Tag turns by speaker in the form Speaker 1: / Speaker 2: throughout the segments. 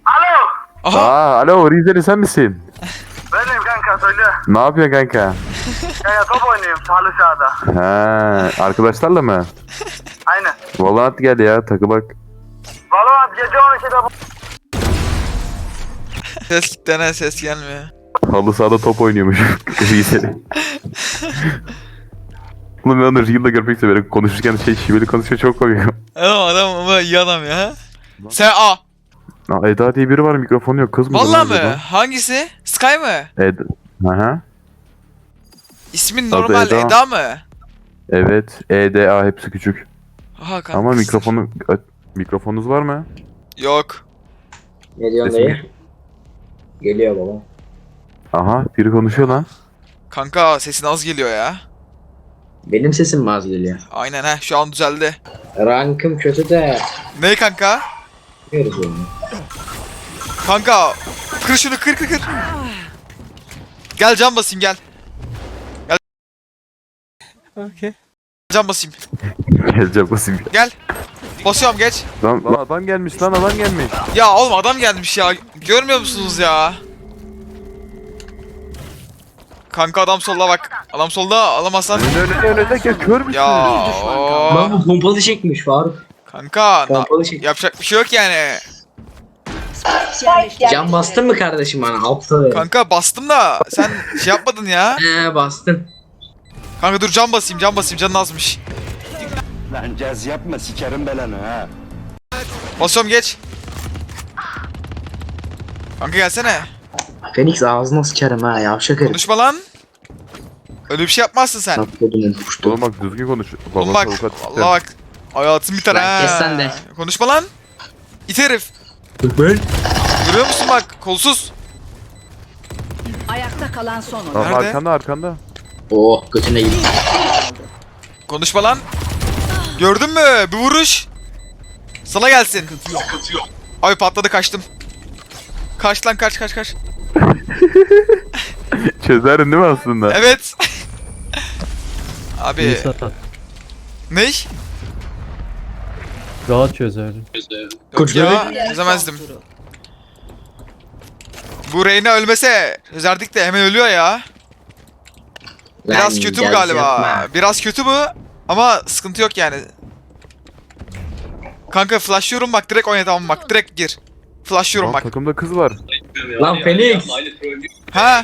Speaker 1: Alo.
Speaker 2: Aha.
Speaker 3: Alo Rizeli sen misin?
Speaker 1: Benim kanka söyle.
Speaker 3: Ne yapıyorsun kanka?
Speaker 1: Ya top oynuyorum halı sahada.
Speaker 3: Ha, arkadaşlarla mı?
Speaker 1: Aynen.
Speaker 3: Valorant gel ya takılak.
Speaker 1: Valorant gece 12'de bu.
Speaker 2: Ses gitti ne ses gelmiyor.
Speaker 3: Halı sahada top oynuyormuş Rizeli. Oğlum ben onu Real'da görmek istiyorum. Konuşurken şiveli konuşuyor çok komik.
Speaker 2: Adam ama iyi adam ya. Sen a.
Speaker 3: Aa, Eda diye biri var mikrofonu yok kız mı?
Speaker 2: Vallahi mı? Hangisi? Sky mı?
Speaker 3: Eda. Aha.
Speaker 2: İsmin
Speaker 3: Adı
Speaker 2: normal
Speaker 3: Eda.
Speaker 2: Eda mı?
Speaker 3: Evet. EDA hepsi küçük.
Speaker 2: Aha kanka.
Speaker 3: Ama mikrofonunuz var mı?
Speaker 2: Yok.
Speaker 4: Ne diyorsun
Speaker 3: Sesim
Speaker 4: dayı? Geliyor baba.
Speaker 3: Aha biri konuşuyor lan.
Speaker 2: Kanka sesin az geliyor ya.
Speaker 4: Benim sesim mi az geliyor?
Speaker 2: Aynen ha şu an düzeldi.
Speaker 4: Rankım kötü de
Speaker 2: Ne kanka?
Speaker 4: yapıyoruz onu.
Speaker 2: Kanka kır şunu kır. Gel can basayım gel. Gel. Okay. Can basayım.
Speaker 3: Geleceğim basayım.
Speaker 2: Gel. Basıyorum geç.
Speaker 3: Lan adam gelmiş lan adam gelmiş.
Speaker 2: Ya oğlum adam gelmiş ya. Görmüyor musunuz ya? Kanka adam solda bak. Adam solda alamazsan.
Speaker 3: Önünde gel kör müsün?
Speaker 2: Ya o.
Speaker 4: Lan bu pompalı çekmiş Faruk.
Speaker 2: Kanka
Speaker 4: Pompalı çek.
Speaker 2: yapacak bir şey yok yani.
Speaker 4: Can bastın mı kardeşim bana? Altta ver.
Speaker 2: Kanka bastım da sen şey yapmadın ya.
Speaker 4: Bastın.
Speaker 2: Kanka dur can basayım canın azmış.
Speaker 5: Lan caz yapma sikerim belanı ha.
Speaker 2: Basıyorum geç. Kanka gelsene.
Speaker 4: Phoenix ağzına sıçarım ha yavşak herif.
Speaker 2: Konuşma lan. Öyle bir şey yapmazsın sen.
Speaker 4: Tatlıdın puştu.
Speaker 3: Oğlum bak düzgün konuş.
Speaker 2: Oğlum
Speaker 3: Babası
Speaker 2: bak
Speaker 3: avukat çıktı.
Speaker 2: Allah bak. Hayatım biter
Speaker 4: Lan
Speaker 2: ha.
Speaker 4: kes sen de.
Speaker 2: Konuşma lan. İt herif. Görüyor musun bak kolsuz.
Speaker 6: Ayakta kalan son oyun.
Speaker 3: Tamam,
Speaker 2: Nerede?
Speaker 3: arkanda.
Speaker 4: Oh götüne gitti.
Speaker 2: Konuşma lan. Gördün mü? Bir vuruş. Sana gelsin. Ay patladı kaçtım. Kaç lan kaç.
Speaker 3: Çözerin değil mi aslında?
Speaker 2: Evet. Abi. Ne?
Speaker 7: Rahat çözerdim.
Speaker 2: Yok ya çözemezdim. Bu Reyna ölmese çözerdik de hemen ölüyor ya. Biraz
Speaker 4: Lan,
Speaker 2: kötü bu
Speaker 4: caz
Speaker 2: galiba.
Speaker 4: yapma.
Speaker 2: Biraz kötü bu ama sıkıntı yok yani. Kanka flashlıyorum bak direkt oyna tamam bak direkt gir. Flashlıyorum
Speaker 3: Lan
Speaker 2: bak.
Speaker 3: takımda kız var.
Speaker 4: Lan Phoenix.
Speaker 2: Ha?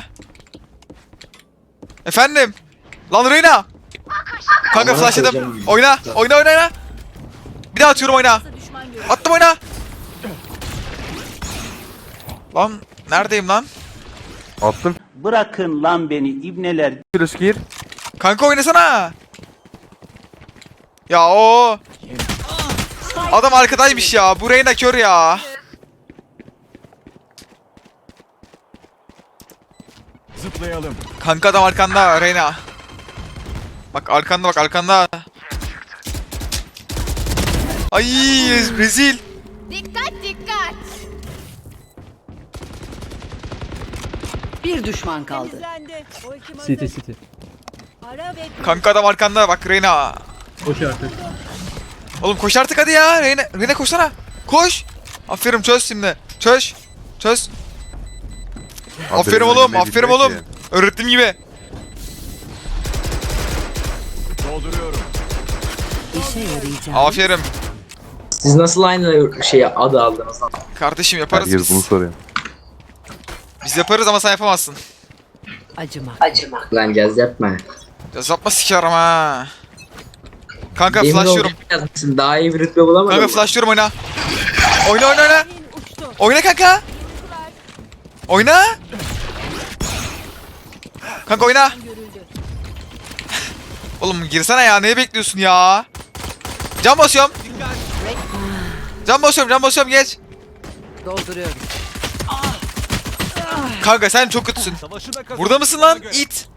Speaker 2: Efendim? Lan Reyna. Kanka
Speaker 4: Aman
Speaker 2: flashladım.
Speaker 4: koyacağım.
Speaker 2: Oyna. Bir daha atıyorum oyna. Attım oyna. Lan neredeyim lan?
Speaker 3: Attım.
Speaker 5: Bırakın lan beni ibneler.
Speaker 3: Flash gir.
Speaker 2: Kanka oynasana. Ya o. Adam arkadaymış ya. Bu Reyna kör ya.
Speaker 5: Zıplayalım.
Speaker 2: Kanka adam arkanda Reyna. Bak arkanda. Ay rezil.
Speaker 8: Dikkat dikkat.
Speaker 6: Bir düşman kaldı.
Speaker 7: City.
Speaker 2: Kanka adam arkanda bak Reyna.
Speaker 7: Koş artık.
Speaker 2: Oğlum koş artık hadi ya. Reyna koşsana. Koş. Aferin çöz şimdi. Çöz. Aferin oğlum. Öğrettiğim gibi.
Speaker 5: Dolduruyorum.
Speaker 6: İşe yarayacak.
Speaker 2: Aferin.
Speaker 4: Siz nasıl aynı adı aldınız lan?
Speaker 2: Kardeşim yaparız
Speaker 3: Herkes bunu
Speaker 2: biz.
Speaker 3: soruyor.
Speaker 2: Biz yaparız ama sen yapamazsın.
Speaker 6: Acımak.
Speaker 4: Lan caz yapma.
Speaker 2: Yapma sikerim ha. Kanka
Speaker 4: Yemin
Speaker 2: flashlıyorum.
Speaker 4: olacak yazmışsın, daha iyi bir rütbe bulamadın
Speaker 2: Kanka
Speaker 4: mı?
Speaker 2: flashlıyorum oyna. Oyna. Oyna kanka. Oyna. Kanka oyna. Oğlum girsene ya. Neyi bekliyorsun ya? Can basıyorum. Can basıyorum geç.
Speaker 6: Dolduruyorum.
Speaker 2: Kanka sen çok kötüsün. Burada mısın lan? İt.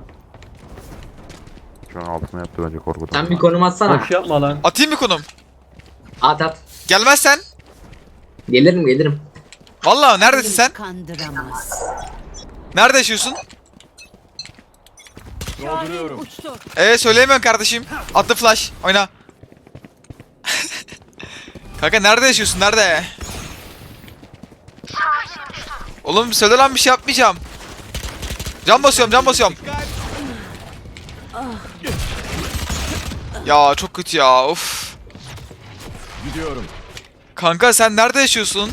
Speaker 3: Şu an altına yaptı bence korkudan.
Speaker 4: Sen bir konum atsana.
Speaker 7: Boş yapma lan.
Speaker 2: Atayım mı konum?
Speaker 4: At.
Speaker 2: Gelmezsen.
Speaker 4: Gelirim.
Speaker 2: Vallahi neredesin sen?
Speaker 6: Kandıramaz.
Speaker 2: Nerede yaşıyorsun?
Speaker 5: Dolduruyorum.
Speaker 2: Söyleyemiyorum kardeşim. Attı flash. Oyna. Kanka nerede yaşıyorsun? Nerede? Oğlum söyle lan bir şey yapmayacağım. Can basıyorum can basıyorum. Ya çok kötü ya of.
Speaker 5: Gidiyorum.
Speaker 2: Kanka sen nerede yaşıyorsun?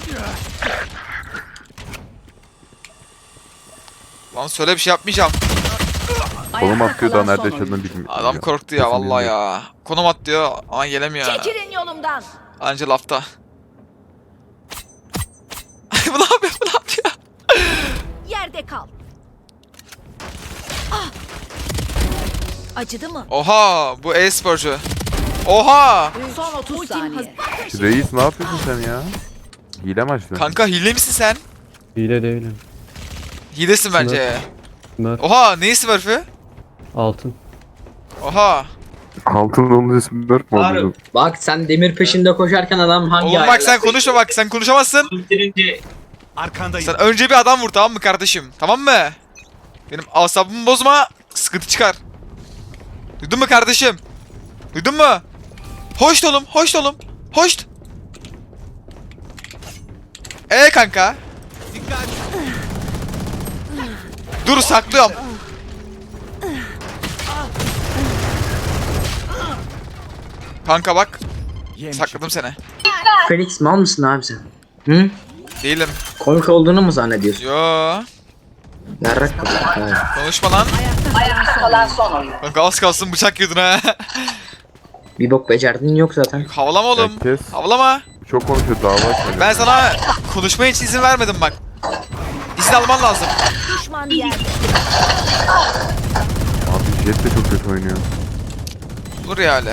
Speaker 2: Lan söyle bir şey yapmayacağım.
Speaker 3: Konum atıyor da
Speaker 6: kalan
Speaker 3: nerede
Speaker 6: son
Speaker 3: yaşadığını bilmiyorum.
Speaker 2: Adam korktu ya
Speaker 3: Kesin
Speaker 2: vallahi
Speaker 3: bilmiyorum.
Speaker 2: ya. Konum at diyor ama gelemiyor.
Speaker 8: Çekilin yolumdan.
Speaker 2: Anca lafta. Bu ne yapıyor bu ne yapıyor?
Speaker 8: Yerde kal. Ah. Acıdı mı?
Speaker 2: Oha bu e-sporcu. Oha.
Speaker 6: Son 30 saniye.
Speaker 3: Reis ne yapıyorsun sen ya? Hile mi açtın?
Speaker 2: Kanka hile misin sen?
Speaker 7: Hile değilim.
Speaker 2: Hilesin bence.
Speaker 7: Smurf.
Speaker 2: Oha neyi smurf'ü?
Speaker 7: Altın.
Speaker 2: Oha.
Speaker 3: Altın onun ismi 4 mü oldu?
Speaker 4: Bak sen demir peşinde koşarken adam hangi
Speaker 2: Oğlum bak
Speaker 4: ayarla
Speaker 2: sen konuşma bak sen konuşamazsın.
Speaker 4: bitirince
Speaker 5: Arkandayım.
Speaker 2: Sen önce bir adam vur tamam mı kardeşim? Tamam mı? Benim asabımı bozma sıkıntı çıkar. Duydun mu kardeşim? Duydun mu? Hoşt oğlum hoşt oğlum. Hoşt. Kanka. Dur saklıyorum. Kanka bak sakladım seni.
Speaker 4: Felix mal mısın abi sen? Hı?
Speaker 2: Değilim.
Speaker 4: Komik olduğunu mu zannediyorsun?
Speaker 2: Yo.
Speaker 4: Yarrak kadar.
Speaker 2: Konuşma lan. Kanka az kalsın bıçak yedin ha.
Speaker 4: Bir bok becerdin yok zaten.
Speaker 2: Havalama oğlum.
Speaker 3: Herkes
Speaker 2: Havalama.
Speaker 3: çok konuşuyor dava açıyor.
Speaker 2: Ben sana konuşmaya hiç izin vermedim bak. İzin alman lazım.
Speaker 8: Düşman yerde.
Speaker 3: Abi Jet de çok kötü oynuyor.
Speaker 2: Dur ya öyle.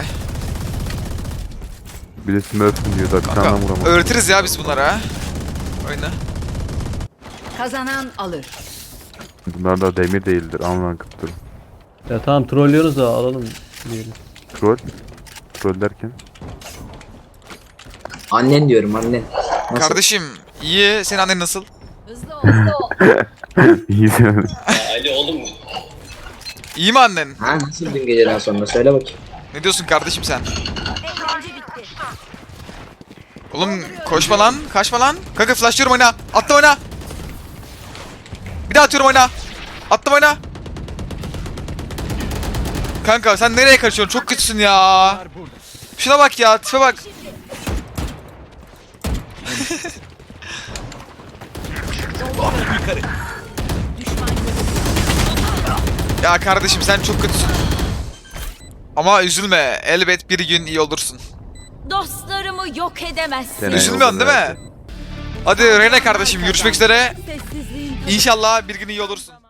Speaker 3: Bir de Smurf'ın diyor da bir tane
Speaker 2: Kanka
Speaker 3: vuramadım.
Speaker 2: öğretiriz ya biz bunlara ha. Oyna.
Speaker 6: Kazanan alır.
Speaker 3: Bunlar da demir değildir. Anlan kıptır.
Speaker 7: Ya tamam trollüyoruz da alalım diyelim.
Speaker 3: Troll. Troll derken.
Speaker 4: Annen diyorum annen. Nasıl?
Speaker 2: Kardeşim iyi. Senin annen nasıl?
Speaker 8: Hızlı ol hızlı ol.
Speaker 3: İyi yani.
Speaker 2: İyi mi annen?
Speaker 4: Ha nasıl dün geceden sonra söyle bakayım.
Speaker 2: Ne diyorsun kardeşim sen?
Speaker 8: Eğlence bitti.
Speaker 2: Oğlum koşma lan. Kaçma lan. Kanka flashlıyorum oyna. Attım oyna. Bir daha atıyorum oyna. Attım oyna. Kanka sen nereye kaçıyorsun? Çok kötüsün ya. Şuna bak ya. Tipe bak. Ya kardeşim sen çok kötüsün. Ama üzülme. Elbet bir gün iyi olursun.
Speaker 8: Dostlarımı yok edemezsin.
Speaker 3: Gene
Speaker 2: Üzülmüyorsun
Speaker 3: yolda
Speaker 2: değil mi?
Speaker 3: herhalde.
Speaker 2: Hadi Rene kardeşim görüşmek üzere.
Speaker 8: Sessizliğin
Speaker 2: İnşallah bir gün iyi olursun.